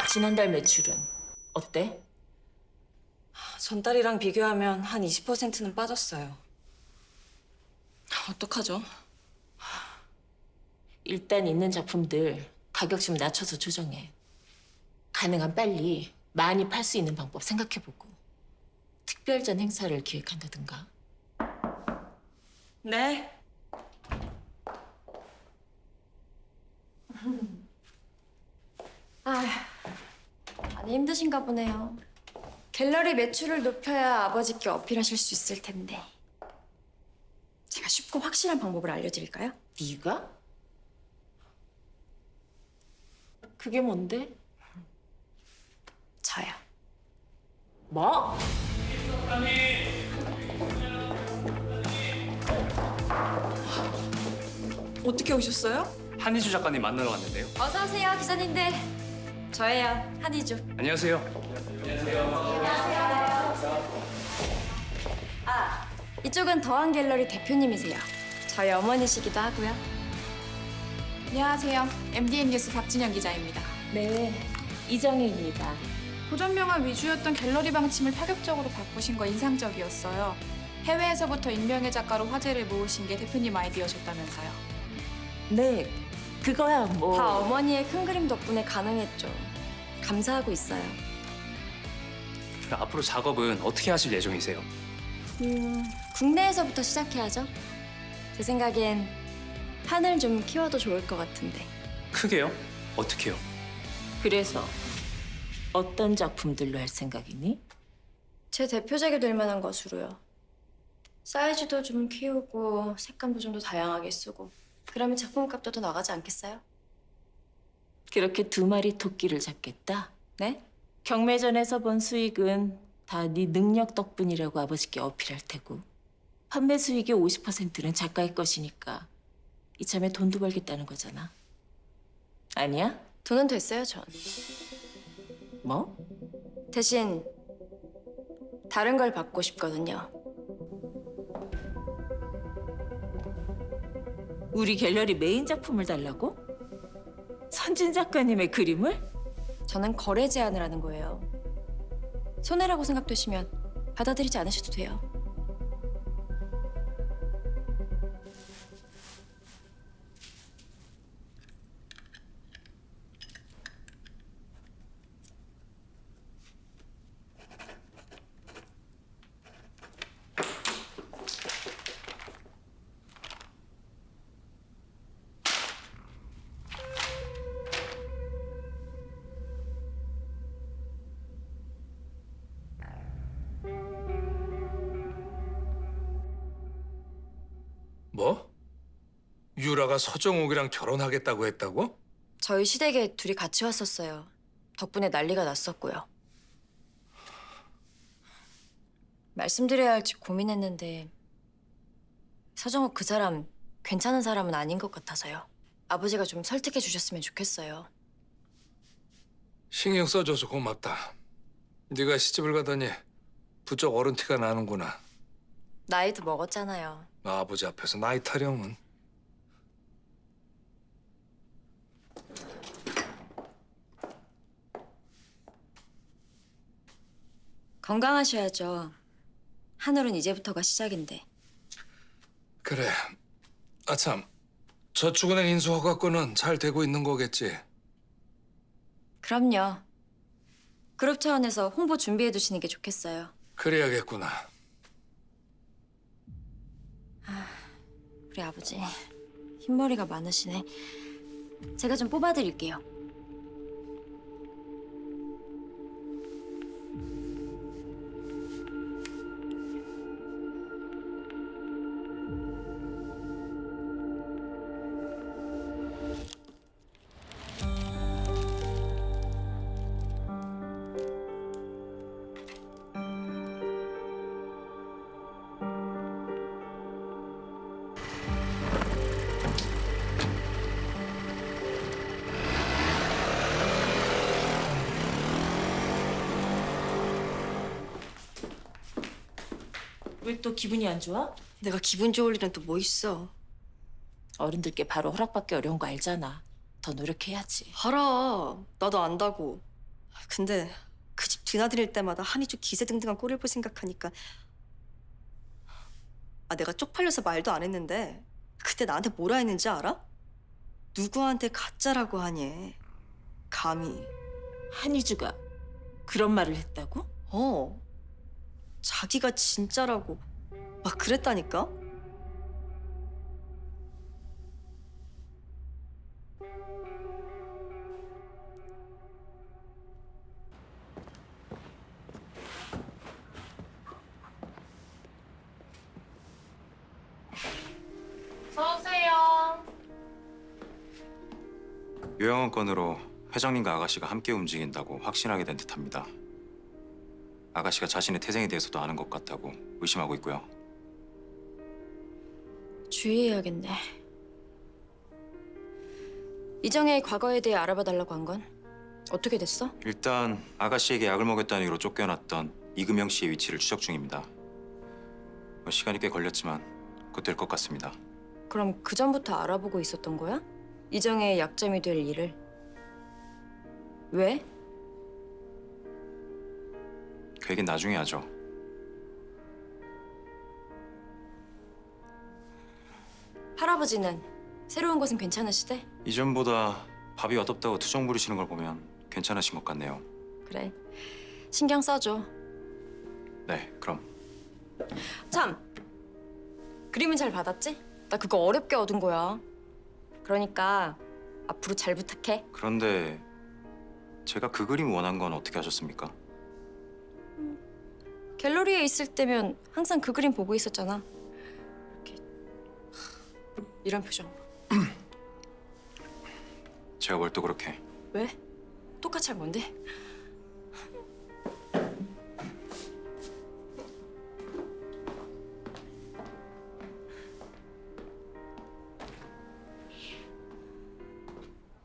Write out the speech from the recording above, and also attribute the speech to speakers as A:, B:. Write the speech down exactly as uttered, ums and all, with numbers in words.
A: 지난달 매출은 어때?
B: 전달이랑 비교하면 한 이십 퍼센트는 빠졌어요. 어떡하죠?
A: 일단 있는 작품들 가격 좀 낮춰서 조정해. 가능한 빨리 많이 팔 수 있는 방법 생각해보고 특별전 행사를 기획한다든가.
B: 네.
C: 아, 많이 힘드신가 보네요. 갤러리 매출을 높여야 아버지께 어필하실 수 있을 텐데. 제가 쉽고 확실한 방법을 알려드릴까요?
A: 네가? 그게 뭔데?
C: 저요.
A: 뭐?
B: 어떻게 오셨어요?
D: 한희주 작가님 만나러 왔는데요.
C: 어서 오세요, 기자님들. 저예요, 한희주.
D: 안녕하세요.
C: 아, 이쪽은 더한 갤러리 대표님이세요. 저희 어머니시기도 하고요.
E: 안녕하세요. 엠디엔 뉴스 박진영 기자입니다.
A: 네, 이정희입니다.
E: 고전명화 위주였던 갤러리 방침을 파격적으로 바꾸신 거 인상적이었어요. 해외에서부터 익명의 작가로 화제를 모으신 게 대표님 아이디어셨다면서요.
A: 네, 그거야 뭐.
C: 다 어머니의 큰 그림 덕분에 가능했죠. 감사하고 있어요.
D: 앞으로 작업은 어떻게 하실 예정이세요?
C: 음, 국내에서부터 시작해야죠. 제 생각엔 판을 좀 키워도 좋을 것 같은데.
D: 크게요? 어떻게요?
A: 그래서 어떤 작품들로 할 생각이니?
C: 제 대표작이 될 만한 것으로요. 사이즈도 좀 키우고 색감도 좀 더 다양하게 쓰고 그러면 작품값도 더 나가지 않겠어요?
A: 그렇게 두 마리 토끼를 잡겠다?
C: 네?
A: 경매전에서 번 수익은 다 네 능력 덕분이라고 아버지께 어필할 테고 판매 수익의 오십 퍼센트는 작가의 것이니까 이참에 돈도 벌겠다는 거잖아. 아니야?
C: 돈은 됐어요, 전.
A: 뭐?
C: 대신 다른 걸 받고 싶거든요.
A: 우리 갤러리 메인 작품을 달라고? 선진 작가님의 그림을?
C: 저는 거래 제안을 하는 거예요. 손해라고 생각되시면 받아들이지 않으셔도 돼요.
F: 뭐? 유라가 서정옥이랑 결혼하겠다고 했다고?
C: 저희 시댁에 둘이 같이 왔었어요. 덕분에 난리가 났었고요. 말씀드려야 할지 고민했는데 서정욱 그 사람 괜찮은 사람은 아닌 것 같아서요. 아버지가 좀 설득해 주셨으면 좋겠어요.
F: 신경 써줘서 고맙다. 네가 시집을 가더니 부쩍 어른 티가 나는구나.
C: 나이도 먹었잖아요.
F: 나 아버지 앞에서 나이 타령은.
C: 건강하셔야죠. 한울은 이제부터가 시작인데.
F: 그래. 아참, 저축은행 인수 허가권은 잘 되고 있는 거겠지?
C: 그럼요. 그룹 차원에서 홍보 준비해 두시는 게 좋겠어요.
F: 그래야겠구나.
C: 우리 아버지 흰머리가 많으시네. 제가 좀 뽑아드릴게요.
A: 왜 또 기분이 안 좋아?
C: 내가 기분 좋을 일은 또 뭐 있어.
A: 어른들께 바로 허락받기 어려운 거 알잖아. 더 노력해야지.
C: 알아. 나도 안다고.
G: 근데 그 집 드나들일 때마다 한이주 기세등등한 꼴을 볼 생각하니까 아 내가 쪽팔려서 말도 안 했는데 그때 나한테 뭐라 했는지 알아? 누구한테 가짜라고 하니? 감히.
A: 한희주가 그런 말을 했다고?
G: 어. 자기가 진짜라고 막 그랬다니까?
H: 요양원 건으로 회장님과 아가씨가 함께 움직인다고 확신하게 된 듯합니다. 아가씨가 자신의 태생에 대해서도 아는 것 같다고 의심하고 있고요.
C: 주의해야겠네. 이정혜의 과거에 대해 알아봐 달라고 한 건 어떻게 됐어?
H: 일단 아가씨에게 약을 먹였다는 이유로 쫓겨났던 이금영 씨의 위치를 추적 중입니다. 뭐 시간이 꽤 걸렸지만 곧 될 것 같습니다.
C: 그럼 그 전부터 알아보고 있었던 거야? 이정혜의 약점이 될 일을. 왜?
H: 그 얘기는 나중에 하죠.
C: 할아버지는 새로운 것은 괜찮으시대?
H: 이전보다 밥이 어둡다고 투정 부리시는 걸 보면 괜찮으신 것 같네요.
C: 그래. 신경 써줘.
H: 네, 그럼.
C: 참! 그림은 잘 받았지? 나 그거 어렵게 얻은 거야. 그러니까 앞으로 잘 부탁해.
H: 그런데 제가 그 그림 원한 건 어떻게 하셨습니까?
C: 갤러리에 있을 때면 항상 그 그림 보고 있었잖아. 이렇게 이런 표정.
H: 제가 뭘 또 그렇게.
C: 왜? 똑같이 할 뭔데?